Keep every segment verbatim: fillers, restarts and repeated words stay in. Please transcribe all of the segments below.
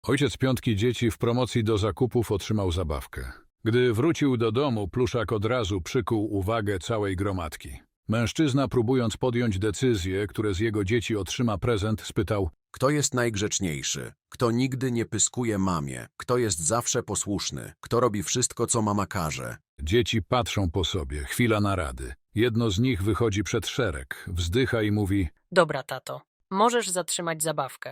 Ojciec piątki dzieci w promocji do zakupów otrzymał zabawkę. Gdy wrócił do domu, pluszak od razu przykuł uwagę całej gromadki. Mężczyzna, próbując podjąć decyzję, które z jego dzieci otrzyma prezent, spytał: Kto jest najgrzeczniejszy? Kto nigdy nie pyskuje mamie? Kto jest zawsze posłuszny? Kto robi wszystko, co mama każe? Dzieci patrzą po sobie, chwila narady. Jedno z nich wychodzi przed szereg, wzdycha i mówi: Dobra, tato, możesz zatrzymać zabawkę.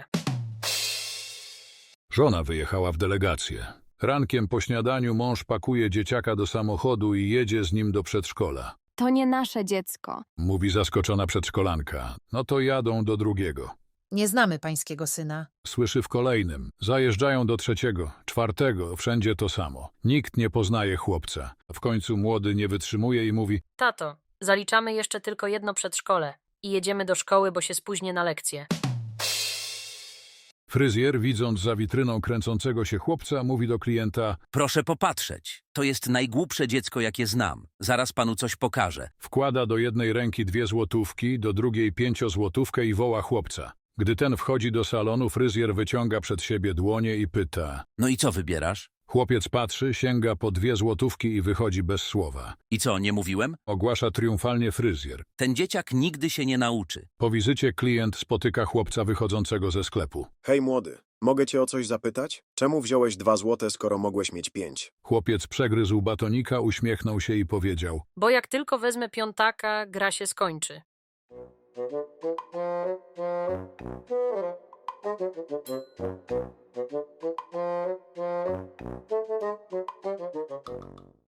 Żona wyjechała w delegację. Rankiem po śniadaniu mąż pakuje dzieciaka do samochodu i jedzie z nim do przedszkola. To nie nasze dziecko. Mówi zaskoczona przedszkolanka. No to jadą do drugiego. Nie znamy pańskiego syna. Słyszy w kolejnym. Zajeżdżają do trzeciego, czwartego, wszędzie to samo. Nikt nie poznaje chłopca. W końcu młody nie wytrzymuje i mówi: Tato, zaliczamy jeszcze tylko jedno przedszkole i jedziemy do szkoły, bo się spóźnię na lekcję. Fryzjer, widząc za witryną kręcącego się chłopca, mówi do klienta: Proszę popatrzeć. To jest najgłupsze dziecko, jakie znam. Zaraz panu coś pokażę. Wkłada do jednej ręki dwie złotówki, do drugiej pięciozłotówkę i woła chłopca. Gdy ten wchodzi do salonu, fryzjer wyciąga przed siebie dłonie i pyta. No i co wybierasz? Chłopiec patrzy, sięga po dwie złotówki i wychodzi bez słowa. I co, nie mówiłem? Ogłasza triumfalnie fryzjer. Ten dzieciak nigdy się nie nauczy. Po wizycie klient spotyka chłopca wychodzącego ze sklepu. Hej młody, mogę cię o coś zapytać? Czemu wziąłeś dwa złote, skoro mogłeś mieć pięć? Chłopiec przegryzł batonika, uśmiechnął się i powiedział: Bo jak tylko wezmę piątaka, gra się skończy.